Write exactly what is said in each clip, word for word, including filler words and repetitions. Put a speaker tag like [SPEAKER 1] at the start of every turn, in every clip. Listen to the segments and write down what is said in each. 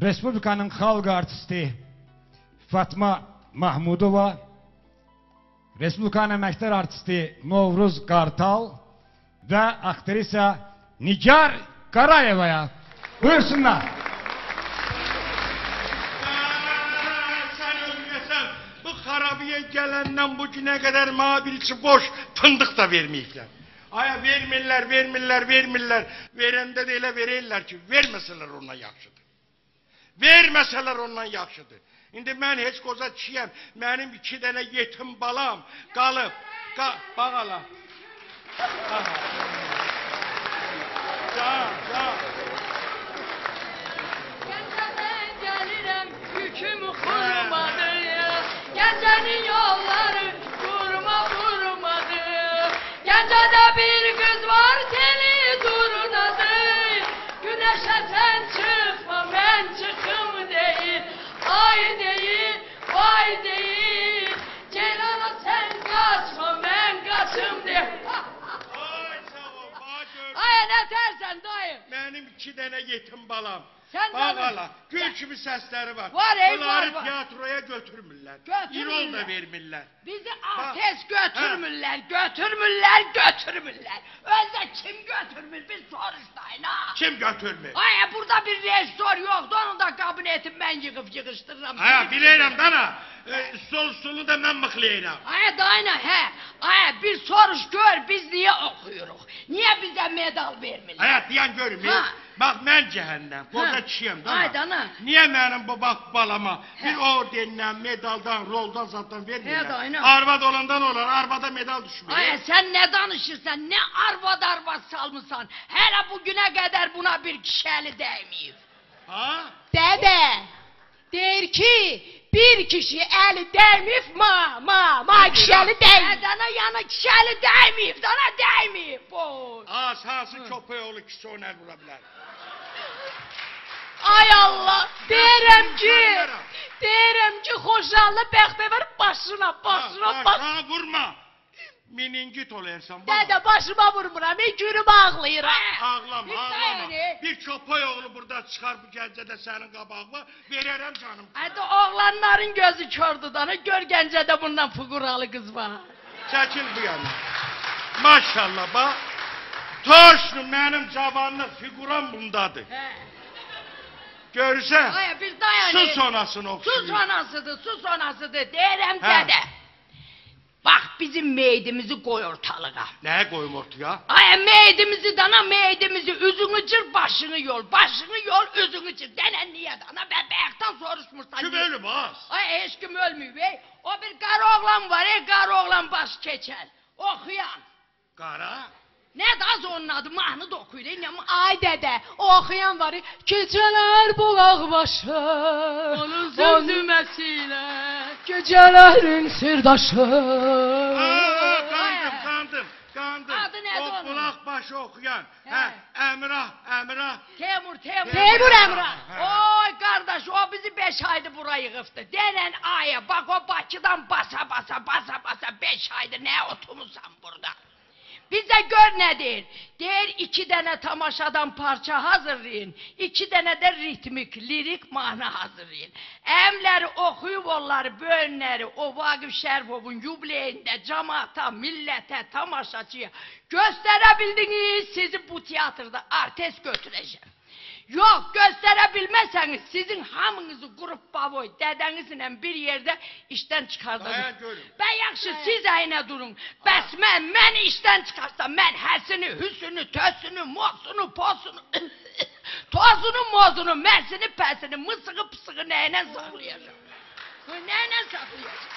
[SPEAKER 1] Respublikanın xalq artisti Fatma Mahmudova, Respublikanın əməkdar artisti Novruz Qartal və aktrisa Nigar Qarayevaya buyursunlar.
[SPEAKER 2] Sen ölmesen bu harabiye gelenden bugüne kadar mabiliçi boş fındık da vermeyecekler. Aya vermirler, vermirler, vermirler. Verende de elə verirler ki, vermeseler ondan yaxşıdır. Vermeseler ondan yaxşıdır. İndi mən heç qoza kişiyəm, mənim iki dənə yetim balam qalıb. Qa bax ala. Can, can.
[SPEAKER 3] Gəncədən gəlirəm, yüküm xurmadı. Gəncənin yolları vurma vurmadı. Gəncədə bir qız var, teli durnadı. Güneşə sən çıxma, mən çıxım deyil. Ay deyil, vay deyil. Ceylana sen kaçma, ben kaçım deyil.
[SPEAKER 2] Ay sağ ol, bax gör.
[SPEAKER 3] Ay ne dersen dayı.
[SPEAKER 2] Mənim iki dənə yetim balam.
[SPEAKER 3] Sən
[SPEAKER 2] Bax
[SPEAKER 3] canım.
[SPEAKER 2] ala, gül kimi səsləri var.
[SPEAKER 3] Var, ey,
[SPEAKER 2] Bunları
[SPEAKER 3] var, var.
[SPEAKER 2] tiyatroya götürmürlər.
[SPEAKER 3] Götürmürlər.
[SPEAKER 2] İrol da vermirlər.
[SPEAKER 3] Bizi artist götürmürler, götürmürler, götürmürler. Özde kim götürmür bir soruştayın ha.
[SPEAKER 2] Kim götürmür?
[SPEAKER 3] Ay burada bir rejissor yoktu, onun da kabinetim ben yıkıp yıkıştırırım.
[SPEAKER 2] Aya bilirəm dana, e, sol solu da mən mıxlayıram.
[SPEAKER 3] Ay dayına he, ay bir soruş gör biz niye okuyoruz? Niye bize medal vermirler?
[SPEAKER 2] Aya diyan görüm.
[SPEAKER 3] Ha.
[SPEAKER 2] Bax mən cəhənnəm, qoca
[SPEAKER 3] Ha.
[SPEAKER 2] kişiyəm dana.
[SPEAKER 3] Ay dana.
[SPEAKER 2] Niyə mənim bu bax balama
[SPEAKER 3] He.
[SPEAKER 2] bir ordenlə, medaldan, roldan zatdan
[SPEAKER 3] He
[SPEAKER 2] vermirlər?
[SPEAKER 3] dayına.
[SPEAKER 2] Arvad olandan olur, arvada medal düşmür.
[SPEAKER 3] Ay sen ne danışırsan, ne arvad arvad salmışsan. Hele bugüne kadar buna bir kişeli değmeyip.
[SPEAKER 2] Ha?
[SPEAKER 3] Dede, der ki bir kişi eli değmeyip ma ma ma kişeli değmeyip. Dana yana kişeli değmeyip, dana değmeyip. Boy.
[SPEAKER 2] Az hansı köpəyoğlu kişi onu el vura bilər?
[SPEAKER 3] Ay Allah, derim ki,
[SPEAKER 2] Bilmirəm.
[SPEAKER 3] derim ki hoşallı bəxtəvər başına, başına,
[SPEAKER 2] Ha,
[SPEAKER 3] başına.
[SPEAKER 2] ha, vurma. Meningit olayırsan.
[SPEAKER 3] Dede başıma vurmuram, bir günüm ağlayıram.
[SPEAKER 2] Ağlama,
[SPEAKER 3] Bir
[SPEAKER 2] ağlama.
[SPEAKER 3] saniye.
[SPEAKER 2] Bir köpəyoğlu burada çıxar bu gəncədə sənin qabağına, verərəm canım.
[SPEAKER 3] Hadi oğlanların gözü kördü dana, gör Gəncədə bundan fıquralı kız var.
[SPEAKER 2] Çəkil bu yana. Maşallah bax. Toşlu mənim cavanlıq figuram bundadır.
[SPEAKER 3] He.
[SPEAKER 2] Görürsən?
[SPEAKER 3] Ay bir dayan.
[SPEAKER 2] Su sonasını oxşuyur.
[SPEAKER 3] Su sonasıdır, su sonasıdır. Deyirəm
[SPEAKER 2] Hə.
[SPEAKER 3] dədə. Bak bizim meydimizi koy ortalığa.
[SPEAKER 2] Nəyə qoyum ortaya?
[SPEAKER 3] Ay meydimizi dana, meydimizi, üzünü cır, başını yol, başını yol, üzünü cır. Denen niye dana, ben bayaktan soruşmursan.
[SPEAKER 2] Kim
[SPEAKER 3] niye?
[SPEAKER 2] ölüm az?
[SPEAKER 3] Ay hiç kim ölmüyor bey. O bir karı oğlan var, ey karı oğlan baş keçer. Okuyan.
[SPEAKER 2] Qara?
[SPEAKER 3] Ne daz onun adı, mahnı da okuyur. ey, ne- Ay dede, o okuyan var. Geceler bulak başı. Onun zümzümesiyle. Gecelerin sırdaşı.
[SPEAKER 2] Aa, qandım, qandım, qandım.
[SPEAKER 3] Adı nədir
[SPEAKER 2] O
[SPEAKER 3] onun?
[SPEAKER 2] qulaq başı oxuyan.
[SPEAKER 3] Hə.
[SPEAKER 2] Hə, Əmrah, Əmrah.
[SPEAKER 3] Temur, Temur.
[SPEAKER 2] Temur
[SPEAKER 3] Temur
[SPEAKER 2] Emrah.
[SPEAKER 3] Emrah.
[SPEAKER 2] He.
[SPEAKER 3] Oy kardeş, o bizi beş aydır burayı yıkıftı. Denen aya, bak o Bakı'dan basa basa, basa basa beş aydır ne oturmuşsan burada. Bize gör nedir? Der iki tane tamaşadan parça hazırlayın. İki tane de ritmik, lirik mahna hazırlayın. Emleri okuyup onları, bölünleri o Vagif Şerifov'un yubileyinde cemaata, millete, tamaşaçıya gösterebildiniz, sizi bu tiyatroda artist götüreceğim. Yok gösterebilmezseniz sizin hamınızı grup bavoy dedenizle bir yerde işten çıkartacağım.
[SPEAKER 2] Dayan görüm.
[SPEAKER 3] Ben yaxşı siz aynı durun. Bəs mən, mən işten çıkarsam mən həsini, hüsünü, tösünü, mosunu, posunu, tozunu, mozunu, mərsini, pəsini, mısığı, pısığı neyle saklayacağım? Neyle saklayacağım?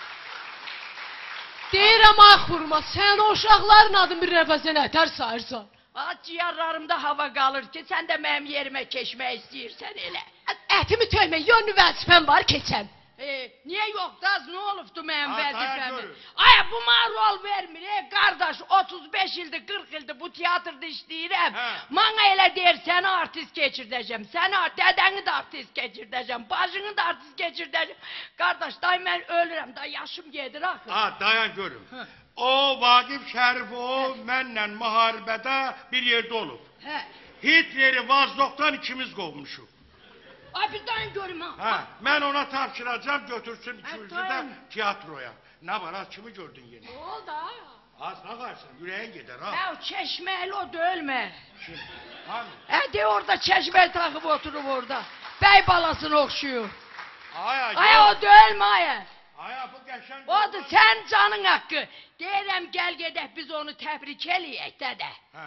[SPEAKER 4] Deyirəm ay xurma, sən o uşaqların adını bir nəfəsə nətər sayırsan?
[SPEAKER 3] Ciğerlerimde hava kalır ki sen de benim yerime keçmek istiyorsan elə.
[SPEAKER 4] Ətimi töymə, yönlü vəzifəm var, keçəm.
[SPEAKER 3] E, niye yok daz ne olubdu benim
[SPEAKER 2] Ha, dayan
[SPEAKER 3] vazifemi?
[SPEAKER 2] görün.
[SPEAKER 3] Ay bu bana rol vermir ey kardeş otuz beş yıldır kırk yıldır bu tiyatroda işleyirəm.
[SPEAKER 2] He.
[SPEAKER 3] Bana elə der seni artist geçirdeceğim. Seni dedeni de artist geçirdeceğim. Bacını da artist geçirdeceğim. Kardeş day ben ölürüm da yaşım gelir axı.
[SPEAKER 2] Ha, dayan görüm. O Vagif Şərifov mənlə müharibədə bir yerdə olub.
[SPEAKER 3] He.
[SPEAKER 2] Hitleri Vazdoqdan ikimiz qovmuşuq.
[SPEAKER 3] Ay bir dayan dayan görüm ha.
[SPEAKER 2] Ha, mən ona tapşıracağım, götürsün ikimizi də
[SPEAKER 3] dayan.
[SPEAKER 2] tiyatroya. Nə var, az kimi gördün yeni?
[SPEAKER 4] Ne oldu ha?
[SPEAKER 2] Az baxarsan, ürəyin gedər ha.
[SPEAKER 3] Ya çeşmeli o dölme.
[SPEAKER 2] Kim? Hani?
[SPEAKER 3] E de orada çeşmeyi takıp oturup orada. Bey balasını okşuyor.
[SPEAKER 2] Aya,
[SPEAKER 3] Ay o dölme aya.
[SPEAKER 2] Aya, bu qəşəng.
[SPEAKER 3] Odur sen canın hakkı. Deyirəm gel gedək biz onu tebrik eləyək dədə.
[SPEAKER 2] Ha,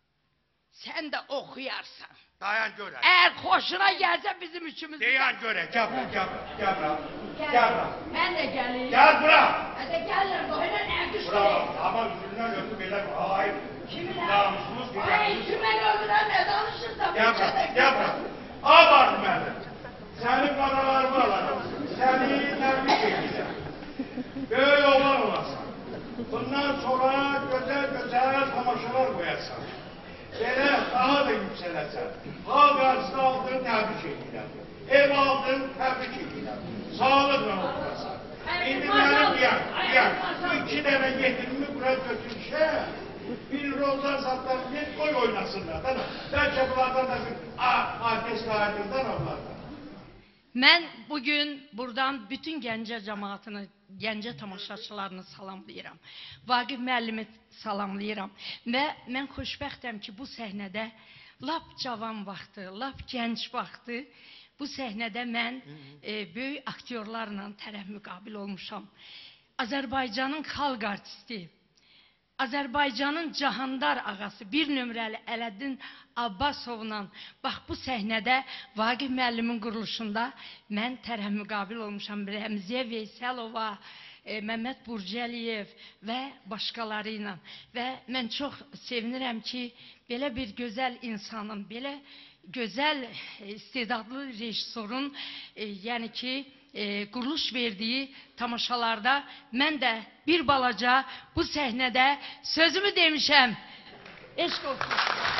[SPEAKER 3] Sen de okuyarsan.
[SPEAKER 2] dayan görək.
[SPEAKER 3] Eğer hoşuna gelse bizim üçümüz.
[SPEAKER 2] Deyən görək, gəl bura, gəl bura, gəl bura. Gəl bura.
[SPEAKER 3] Ben de geleyim.
[SPEAKER 2] Gəl bura.
[SPEAKER 3] Ben de gelirəm. Böyle ne
[SPEAKER 2] Bura
[SPEAKER 3] düştü?
[SPEAKER 2] bax, ama üzündən öpüb elə, ay,
[SPEAKER 3] Kimin
[SPEAKER 2] namusumuz
[SPEAKER 3] Ay
[SPEAKER 2] güvənimiz.
[SPEAKER 3] kime öldüren ne danışırsa.
[SPEAKER 2] Gəl bura, gəl bura. Abar mənim. Səni qaralarımı alarım. Səni təbrik edirəm. Böyük oğlan olasan. Bundan sonra gözəl gözəl tamaşalar qoyarsan. Belə daha da yüksələsən. Xalq arasında aldığın təbrik edirəm. Ev aldın, təbrik edirəm. Sağlıqla oturasan. İndi mənim deyəm, deyəm, bu iki dənə yetirimi bura götürüşə, bir roldan zatdan bir qoy oynasınlar. Bəlkə bunlardan da bir artist aydınlar onlardan.
[SPEAKER 3] Ben bugün buradan bütün Gəncə cemaatini, Gəncə tamaşaçılarını salamlayıram. Vaqif müəllimi salamlayıram. Və mən xoşbəxtəm ki, bu səhnədə lap cavan vaxtı, lap gənc vaxtı bu səhnədə mən e, böyük aktyorlarla tərəf müqabil olmuşam. Azərbaycanın xalq artisti, Azərbaycanın Cahandar ağası, bir nömrəli Ələddin Abbasovla bax bu səhnədə Vaqif müəllimin quruluşunda mən tərəf müqabil olmuşam. Rəmziyə Veysəlova, e, Məhəmməd Burcəliyev və başqaları ilə. Və mən çox sevinirəm ki, belə bir gözəl insanın, belə gözəl e, istedadlı rejissorun, e, yəni ki, E, quruluş verdiği tamaşalarda mən də bir balaca bu səhnədə sözümü demişəm. Eşq olsun.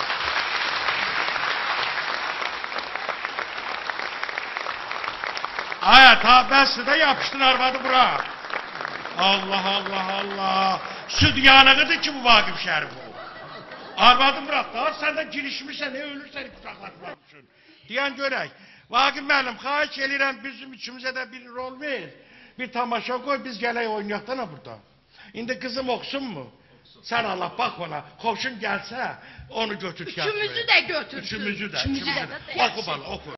[SPEAKER 2] Aya, ta bəsdir də yapışdın arvadı bura. Allah, Allah, Allah. Süd yanığıdır ki bu Vaqif Şərif o. Arvadı bırak da, sən də girişmişsən, ne ölürsən kucaqlatmaq üçün. Deyən görək. Vaqif müəllim, xahiş edirəm bizim üçümüzə də bir rol ver. Bir tamaşa koy, biz gələk oynayaq da burada. İndi kızım oxusun mu? Sən Allah bax ona, xoşun gəlsə onu götür.
[SPEAKER 3] Üçümüzü də götürsün.
[SPEAKER 2] Üçümüzü də.
[SPEAKER 3] Üçümüzü də.
[SPEAKER 2] Oku bana, oku.